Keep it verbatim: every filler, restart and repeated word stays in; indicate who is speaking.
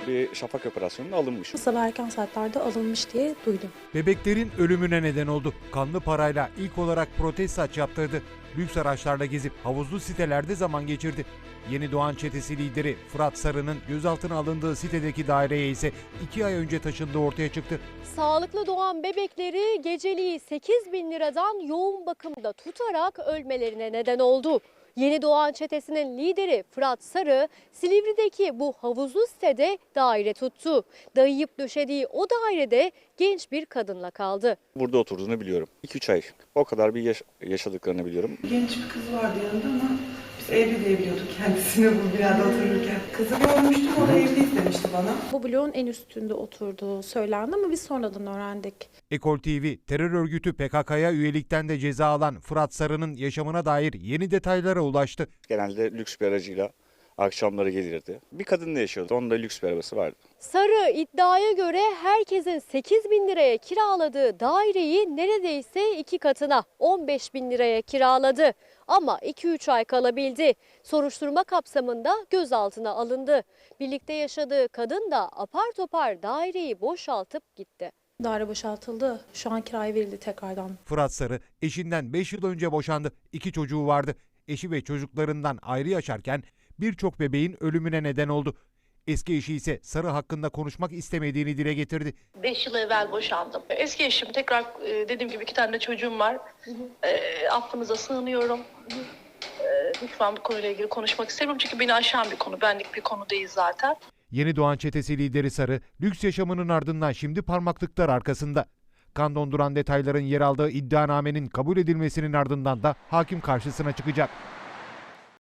Speaker 1: bir şafak operasyonunda alınmış.
Speaker 2: Sabah erken saatlerde alınmış diye duydum.
Speaker 3: Bebeklerin ölümüne neden oldu. Kanlı parayla ilk olarak protez saç yaptırdı. Lüks araçlarla gezip havuzlu sitelerde zaman geçirdi. Yeni Doğan çetesi lideri Fırat Sarı'nın gözaltına alındığı sitedeki daireye ise iki ay önce taşındığı ortaya çıktı.
Speaker 4: Sağlıklı doğan bebekleri geceliği sekiz bin liradan yoğun bakımda tutarak ölmelerine neden oldu. Yeni Doğan çetesinin lideri Fırat Sarı, Silivri'deki bu havuzlu sitede daire tuttu. Dayayıp döşediği o dairede genç bir kadınla kaldı.
Speaker 1: Burada oturduğunu biliyorum. iki üç ay. O kadar bir yaş- yaşadıklarını biliyorum.
Speaker 5: Genç bir kız vardı yanında ama biz evli diye biliyorduk kendisini bu binada otururken. Kızı görmüştüm, o da evli demişti bana.
Speaker 2: Bu bloğun en üstünde oturduğu söylendi ama biz sonradan öğrendik.
Speaker 3: Ekol T V, terör örgütü P K K'ya üyelikten de ceza alan Fırat Sarı'nın yaşamına dair yeni detaylara ulaştı.
Speaker 1: Genelde lüks bir aracıyla akşamları gelirdi. Bir kadınla yaşıyordu. Onun da lüks bir arabası vardı.
Speaker 4: Sarı iddiaya göre herkesin sekiz bin liraya kiraladığı daireyi neredeyse iki katına on beş bin liraya kiraladı. Ama iki üç ay kalabildi. Soruşturma kapsamında gözaltına alındı. Birlikte yaşadığı kadın da apar topar daireyi boşaltıp gitti.
Speaker 2: Daire boşaltıldı. Şu an kiraya verildi tekrardan.
Speaker 3: Fırat Sarı eşinden beş yıl önce boşandı. İki çocuğu vardı. Eşi ve çocuklarından ayrı yaşarken birçok bebeğin ölümüne neden oldu. Eski eşi ise Sarı hakkında konuşmak istemediğini dile getirdi.
Speaker 6: beş yıl evvel boşandım. Eski eşim tekrar e, dediğim gibi iki tane de çocuğum var. Hı hı. E, affınıza sığınıyorum. Hı hı. E, lütfen bu konuyla ilgili konuşmak istemiyorum çünkü beni aşan bir konu. Benlik bir konu değil zaten.
Speaker 3: Yeni Doğan çetesi lideri Sarı, lüks yaşamının ardından şimdi parmaklıklar arkasında. Kan donduran detayların yer aldığı iddianamenin kabul edilmesinin ardından da hakim karşısına çıkacak.